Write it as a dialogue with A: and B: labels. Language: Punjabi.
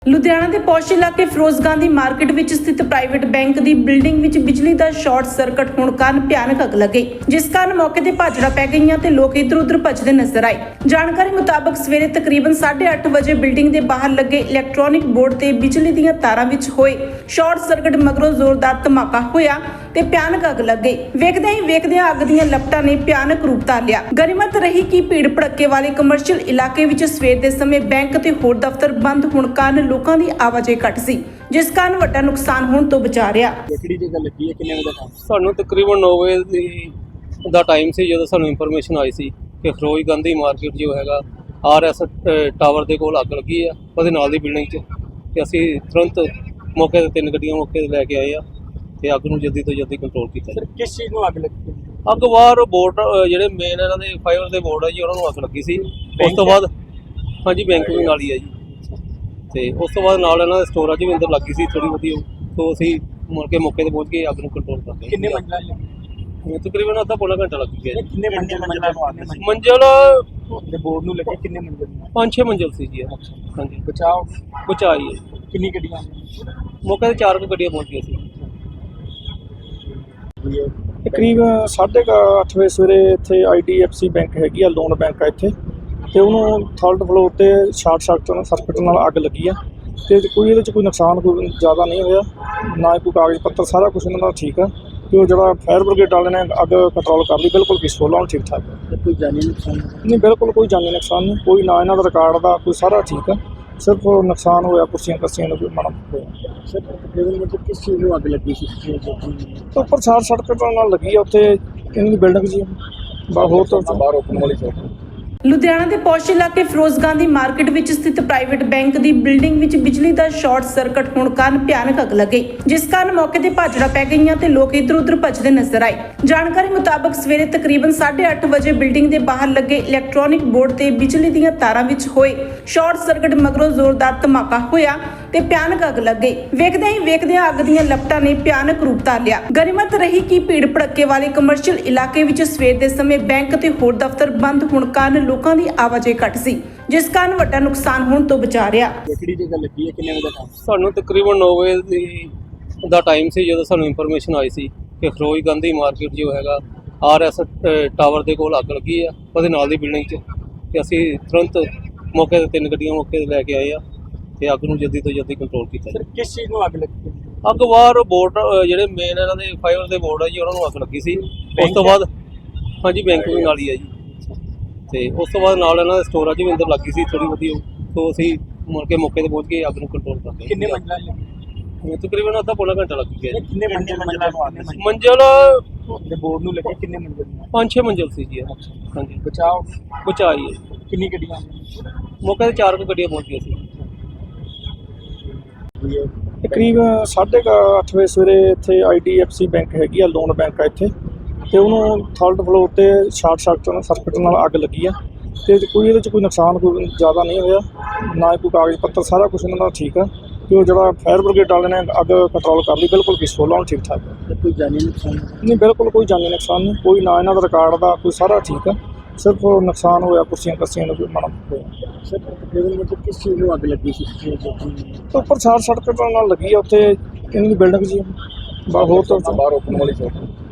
A: ਲੁਧਿਆਣਾ ਦੇ ਪੌਸ਼ ਇਲਾਕੇ ਫਿਰੋਜ਼ ਗਾਂਧੀ ਮਾਰਕੀਟ ਵਿੱਚ ਸਥਿਤ ਪ੍ਰਾਈਵੇਟ ਬੈਂਕ ਦੀ ਬਿਲਡਿੰਗ ਵਿੱਚ ਬਿਜਲੀ ਦਾ ਸ਼ਾਰਟ ਸਰਕਟ ਹੋਣ ਕਾਰਨ ਭਿਆਨਕ ਅੱਗ ਲੱਗ ਗਈ, ਜਿਸ ਕਾਰਨ ਮੌਕੇ ਤੇ ਭਾਜੜਾ ਪੈ ਗਈਆਂ ਤੇ ਲੋਕ ਇੱਧਰ-ਉੱਧਰ ਭੱਜਦੇ ਨਜ਼ਰ ਆਏ। ਜਾਣਕਾਰੀ ਮੁਤਾਬਕ ਸਵੇਰੇ ਤਕਰੀਬਨ 8:30 ਵਜੇ ਬਿਲਡਿੰਗ ਦੇ ਬਾਹਰ ਲੱਗੇ ਇਲੈਕਟ੍ਰੋਨਿਕ ਬੋਰਡ ਤੇ ਬਿਜਲੀ ਦੀਆਂ ਤਾਰਾਂ ਵਿੱਚ ਹੋਏ ਸ਼ਾਰਟ ਸਰਕਟ ਮਗਰੋਂ ਜ਼ੋਰਦਾਰ ਧਮਾਕਾ ਹੋਇਆ ਤੇ ਭਿਆਨਕ ਅੱਗ ਲੱਗ ਗਈ। ਵੇਖਦਿਆਂ ਅੱਗ ਦੀਆਂ ਲਪਟਾਂ ਨੇ ਭਿਆਨਕ ਰੂਪ ਧਾਰ ਲਿਆ। ਗਨੀਮਤ ਰਹੀ ਕਿ ਭੀੜ ਭੜੱਕੇ ਵਾਲੇ ਕਮਰਸ਼ੀਅਲ ਇਲਾਕੇ ਵਿੱਚ ਸਵੇਰ ਦੇ ਸਮੇਂ ਬੈਂਕ ਤੇ ਹੋਰ ਦਫ਼ਤਰ ਬੰਦ ਹੋਣ ਕਾਰਨ ਲੋਕਾਂ ਦੀ ਆਵਾਜਾਈ ਘੱਟ ਸੀ, ਜਿਸ ਕਾਰਨ ਵੱਡਾ ਨੁਕਸਾਨ ਹੋਣ ਤੋਂ ਬਚਾ ਰਿਹਾ।
B: ਕਿਹੜੀ ਜਗ੍ਹਾ ਲੱਗੀ ਹੈ, ਕਿੰਨੇ ਵਜੇ ਦਾ ਟਾਈਮ?
C: ਸਾਨੂੰ ਤਕਰੀਬਨ 9 ਵਜੇ ਦਾ ਟਾਈਮ ਸੀ ਜਦੋਂ ਸਾਨੂੰ ਇਨਫੋਰਮੇਸ਼ਨ ਆਈ ਸੀ ਕਿ ਫਿਰੋਜ਼ ਗਾਂਧੀ ਮਾਰਕੀਟ ਜੋ ਹੈਗਾ RS ਟਾਵਰ ਦੇ ਕੋਲ ਅੱਗ ਲੱਗੀ ਆ, ਉਹਦੇ ਨਾਲ ਦੀ ਬਿਲਡਿੰਗ 'ਚ। ਤੇ ਅਸੀਂ ਤੁਰੰਤ ਮੌਕੇ ਤੇ 3 ਗੱਡੀਆਂ ਮੌਕੇ ਤੇ ਲੈ ਕੇ ਆਏ ਆ ਤੇ ਅੱਗ ਨੂੰ ਜਲਦੀ ਤੋਂ ਜਲਦੀ ਕੰਟਰੋਲ ਕੀਤਾ।
B: ਸਰ ਕਿਸ ਚੀਜ਼ ਨੂੰ ਅੱਗ ਲੱਗੀ?
C: ਅੱਗ ਬਾਹਰ ਬੋਰਡ ਜਿਹੜੇ ਮੇਨ ਇਹਨਾਂ ਦੇ ਫਾਈਬਰ ਦੇ ਬੋਰਡ ਆ ਜੀ, ਉਹਨਾਂ ਨੂੰ ਅੱਗ ਲੱਗੀ ਸੀ। ਉਸ ਤੋਂ ਬਾਅਦ ਹਾਂਜੀ ਬੈਂਕ ਵੀ ਨਾਲ ਹੀ ਆ ਜੀ, ਤੇ ਉਸ ਤੋਂ ਬਾਅਦ ਨਾਲ ਇਹਨਾਂ ਦੇ ਸਟੋਰਾਂ 'ਚ ਵੀ ਅੰਦਰ ਲੱਗੀ ਸੀ ਥੋੜੀ ਬਹੁਤੀ, ਤੋਂ ਅਸੀਂ ਮੁੜ ਕੇ ਮੌਕੇ ਤੇ ਪਹੁੰਚ ਕੇ ਅੱਗ ਨੂੰ ਕੰਟਰੋਲ ਕਰ ਲਿਆ।
B: ਕਿੰਨੇ ਮੰਜ਼ਲਾਂ ਲੱਗੀ?
C: ਤਕਰੀਬਨ ਅੱਧਾ ਪੌਣਾ ਘੰਟਾ ਲੱਗ ਗਿਆ ਜੀ।
B: ਕਿੰਨੇ ਮੰਜ਼ਲਾਂ ਨੂੰ ਅੱਗ ਲੱਗੀ?
C: ਮੰਜ਼ਿਲ
B: ਤੇ ਬੋਰਡ ਨੂੰ ਲੱਗੀ ਕਿੰਨੇ ਮੰਜ਼ਲ?
C: 5-6 ਮੰਜ਼ਿਲ ਸੀ ਜੀ। ਹਾਂਜੀ
B: ਬਚਾਓ
C: ਬਚਾਈ ਹੈ।
B: ਕਿੰਨੀ ਗੱਡੀਆਂ?
C: ਮੌਕੇ ਤੇ 4 ਗੱਡੀਆਂ ਪਹੁੰਚ ਗਈਆਂ ਸੀ।
D: ਕਰੀਬ 8:30 ਵਜੇ ਸਵੇਰੇ ਇੱਥੇ IDFC ਬੈਂਕ ਹੈਗੀ ਆ, ਲੋਨ ਬੈਂਕ ਆ ਇੱਥੇ, ਤੇ ਉਹਨੂੰ 3rd ਫਲੋਰ ਤੇ ਸ਼ਾਰਟ ਸਰਕਟ ਨਾਲ ਅੱਗ ਲੱਗੀ ਆ। ਤੇ ਕੋਈ ਇਹਦੇ 'ਚ ਕੋਈ ਨੁਕਸਾਨ ਕੋਈ ਜ਼ਿਆਦਾ ਨਹੀਂ ਹੋਇਆ, ਨਾ ਕੋਈ ਕਾਗਜ਼ ਪੱਤਰ, ਸਾਰਾ ਕੁਝ ਇਹਨਾਂ ਦਾ ਠੀਕ ਆ। ਤੇ ਉਹ ਜਿਹੜਾ ਫਾਇਰ ਬ੍ਰਿਗੇਡ ਵਾਲੇ ਨੇ ਅੱਗ ਕੰਟਰੋਲ ਕਰ ਲਈ, ਬਿਲਕੁਲ ਪੀਸਫੁਲ ਆ, ਠੀਕ ਠਾਕ ਹੈ।
B: ਕੋਈ ਜਾਨੀ ਨੁਕਸਾਨ
D: ਨਹੀਂ, ਬਿਲਕੁਲ ਕੋਈ ਜਾਨੀ ਨੁਕਸਾਨ ਨਹੀਂ, ਕੋਈ ਨਾ ਇਹਨਾਂ ਦਾ ਰਿਕਾਰਡ ਦਾ ਕੋਈ, ਸਾਰਾ ਠੀਕ ਆ। ਸਿਰਫ ਨੁਕਸਾਨ ਹੋਇਆ ਕੁਰਸੀਆਂ ਨੂੰ ਕੋਈ ਮਾੜਾ ਹੋਇਆ।
B: ਸਰ ਤਕਰੀਬਨ ਮਤਲਬ ਕਿਸ ਚੀਜ਼ ਨੂੰ ਅੱਗ ਲੱਗੀ ਸੀ?
D: ਉੱਪਰ ਸ਼ਾਰਟ ਸਰਕਟ ਨਾਲ ਲੱਗੀ ਆ, ਉੱਥੇ ਇਹਨਾਂ ਦੀ ਬਿਲਡਿੰਗ ਜੀ ਹੋਰ ਤਾਂ
B: ਬਾਹਰ ਓਪਨ ਵਾਲੀ ਸਾਈਡ।
A: ਲੁਧਿਆਣਾ ਦੇ ਪੌਸ਼ ਇਲਾਕੇ ਫਿਰੋਜ਼ ਗਾਂਧੀ ਮਾਰਕੀਟ ਵਿੱਚ ਸਥਿਤ ਪ੍ਰਾਈਵੇਟ ਬੈਂਕ ਦੀ ਬਿਲਡਿੰਗ ਵਿੱਚ ਬਿਜਲੀ ਦਾ ਸ਼ਾਰਟ ਸਰਕਟ ਹੋਣ ਕਾਰਨ ਭਿਆਨਕ ਅੱਗ ਲੱਗ ਗਈ, ਜਿਸ ਕਾਰਨ ਮੌਕੇ ਤੇ ਭਾਜੜਾ ਪੈ ਗਈਆਂ ਤੇ ਲੋਕ ਇੱਧਰ-ਉੱਧਰ ਭੱਜਦੇ ਨਜ਼ਰ ਆਏ। ਜਾਣਕਾਰੀ ਮੁਤਾਬਕ ਸਵੇਰੇ ਤਕਰੀਬਨ 8:30 ਵਜੇ ਬਿਲਡਿੰਗ ਦੇ ਬਾਹਰ ਲੱਗੇ ਇਲੈਕਟ੍ਰੋਨਿਕ ਬੋਰਡ ਤੇ ਬਿਜਲੀ ਦੀਆਂ ਤਾਰਾਂ ਵਿੱਚ ਹੋਏ ਸ਼ਾਰਟ ਸਰਕਟ ਮਗਰੋਂ ਜ਼ੋਰਦਾਰ ਧਮਾਕਾ ਹੋਇਆ ਤੇ ਭਿਆਨਕ ਅੱਗ ਲੱਗ ਗਈ। ਵੇਖਦਿਆਂ ਅੱਗ ਦੀਆਂ ਲਪਟਾਂ ਨੇ ਭਿਆਨਕ ਰੂਪ ਧਾਰ ਲਿਆ। ਗਨੀਮਤ ਰਹੀ ਕਿ ਭੀੜ ਭੜੱਕੇ ਵਾਲੇ ਕਮਰਸ਼ੀਅਲ ਇਲਾਕੇ ਵਿੱਚ ਸਵੇਰ ਦੇ ਸਮੇਂ ਬੈਂਕ ਤੇ ਹੋਰ ਦਫ਼ਤਰ ਬੰਦ ਹੋਣ ਕਾਰਨ ਲੋਕਾਂ ਦੀ ਆਵਾਜਾਈ ਘੱਟ ਸੀ, ਜਿਸ ਕਾਰਨ ਵੱਡਾ ਨੁਕਸਾਨ ਹੋਣ ਤੋਂ ਬਚਾ ਰਿਹਾ।
B: ਕਿਹੜੀ ਜਗ੍ਹਾ ਲੱਗੀ ਹੈ, ਕਿੰਨੇ ਵਜੇ ਦਾ ਟਾਈਮ?
C: ਸਾਨੂੰ ਤਕਰੀਬਨ 9 ਵਜੇ ਦਾ ਟਾਈਮ ਸੀ ਜਦੋਂ ਸਾਨੂੰ ਇਨਫੋਰਮੇਸ਼ਨ ਆਈ ਸੀ ਕਿ ਫਿਰੋਜ਼ ਗਾਂਧੀ ਮਾਰਕੀਟ ਜੋ ਹੈਗਾ RS ਟਾਵਰ ਦੇ ਕੋਲ ਅੱਗ ਲੱਗੀ ਆ, ਉਹਦੇ ਨਾਲ ਦੀ ਬਿਲਡਿੰਗ 'ਚ। ਤੇ ਅਸੀਂ ਤੁਰੰਤ ਮੌਕੇ ਤੇ 3 ਗੱਡੀਆਂ ਮੌਕੇ ਤੇ ਲੈ ਕੇ ਆਏ ਆ ਤੇ ਅੱਗ ਨੂੰ ਜਲਦੀ ਤੋਂ ਜਲਦੀ ਕੰਟਰੋਲ ਕੀਤਾ।
B: ਸਰ ਕਿਸ ਚੀਜ਼ ਨੂੰ ਅੱਗ ਲੱਗੀ?
C: ਅੱਗ ਬਾਹਰ ਬੋਰਡ ਜਿਹੜੇ ਮੇਨ ਇਹਨਾਂ ਦੇ ਫਾਈਬਰ ਦੇ ਬੋਰਡ ਆ ਜੀ, ਉਹਨਾਂ ਨੂੰ ਅੱਗ ਲੱਗੀ ਸੀ। ਉਸ ਤੋਂ ਬਾਅਦ ਹਾਂਜੀ ਬੈਂਕ ਵੀ ਨਾਲ ਹੀ ਆ ਜੀ, ਤੇ ਉਸ ਤੋਂ ਬਾਅਦ ਨਾਲ ਇਹਨਾਂ ਦੇ ਸਟੋਰਾਂ 'ਚ ਵੀ ਅੰਦਰ ਲੱਗੀ ਸੀ ਥੋੜੀ ਬਹੁਤੀ, ਤੋਂ ਅਸੀਂ ਮੁੜ ਕੇ ਮੌਕੇ ਤੇ ਪਹੁੰਚ ਕੇ ਅੱਗ ਨੂੰ ਕੰਟਰੋਲ ਕਰ ਲਿਆ।
B: ਕਿੰਨੇ ਮੰਜ਼ਲਾਂ ਲੱਗੀ?
C: ਤਕਰੀਬਨ ਅੱਧਾ ਪੌਣਾ ਘੰਟਾ ਲੱਗ ਗਿਆ ਜੀ।
B: ਕਿੰਨੇ ਮੰਜ਼ਲਾਂ ਨੂੰ ਅੱਗ ਲੱਗੀ?
C: ਮੰਜ਼ਿਲ
B: ਤੇ ਬੋਰਡ ਨੂੰ ਲੱਗੀ ਕਿੰਨੇ ਮੰਜ਼ਲ?
C: 5-6 ਮੰਜ਼ਿਲ ਸੀ ਜੀ। ਹਾਂਜੀ
B: ਬਚਾਓ
C: ਬਚਾਈ ਹੈ।
B: ਕਿੰਨੀ ਗੱਡੀਆਂ?
C: ਮੌਕੇ ਤੇ 4 ਗੱਡੀਆਂ ਪਹੁੰਚ ਗਈਆਂ ਸੀ।
D: ਕਰੀਬ 8:30 ਵਜੇ ਸਵੇਰੇ ਇੱਥੇ IDFC ਬੈਂਕ ਹੈਗੀ ਆ, ਲੋਨ ਬੈਂਕ ਆ ਇੱਥੇ, ਤੇ ਉਹਨੂੰ 3rd ਫਲੋਰ ਤੇ ਸ਼ਾਰਟ ਸਰਕਟ ਨਾਲ ਅੱਗ ਲੱਗੀ ਆ। ਤੇ ਕੋਈ ਇਹਦੇ 'ਚ ਕੋਈ ਨੁਕਸਾਨ ਕੋਈ ਜ਼ਿਆਦਾ ਨਹੀਂ ਹੋਇਆ, ਨਾ ਕੋਈ ਕਾਗਜ਼ ਪੱਤਰ, ਸਾਰਾ ਕੁਝ ਇਹਨਾਂ ਦਾ ਠੀਕ ਆ। ਤੇ ਉਹ ਜਿਹੜਾ ਫਾਇਰ ਬ੍ਰਿਗੇਡ ਵਾਲੇ ਨੇ ਅੱਗ ਕੰਟਰੋਲ ਕਰ ਲਈ, ਬਿਲਕੁਲ ਪੀਸਫੁਲ ਆ, ਠੀਕ ਠਾਕ ਹੈ।
B: ਕੋਈ ਜਾਨੀ ਨੁਕਸਾਨ
D: ਨਹੀਂ, ਬਿਲਕੁਲ ਕੋਈ ਜਾਨੀ ਨੁਕਸਾਨ ਨਹੀਂ, ਕੋਈ ਨਾ ਇਹਨਾਂ ਦਾ ਰਿਕਾਰਡ ਦਾ ਕੋਈ, ਸਾਰਾ ਠੀਕ ਆ। ਸਿਰਫ ਨੁਕਸਾਨ ਹੋਇਆ ਕੁਰਸੀਆਂ ਨੂੰ ਕੋਈ ਮਾੜਾ ਹੋਇਆ।
B: ਸਰ ਤਕਰੀਬਨ ਮਤਲਬ ਕਿਸ ਚੀਜ਼ ਨੂੰ ਅੱਗ ਲੱਗੀ ਸੀ?
D: ਉੱਪਰ ਸ਼ਾਰਟ ਸਰਕਟ ਨਾਲ ਲੱਗੀ ਆ, ਉੱਥੇ ਇਹਨਾਂ ਦੀ ਬਿਲਡਿੰਗ ਜੀ ਹੋਰ ਤਾਂ
B: ਬਾਹਰ ਓਪਨ ਵਾਲੀ ਸਾਈਡ।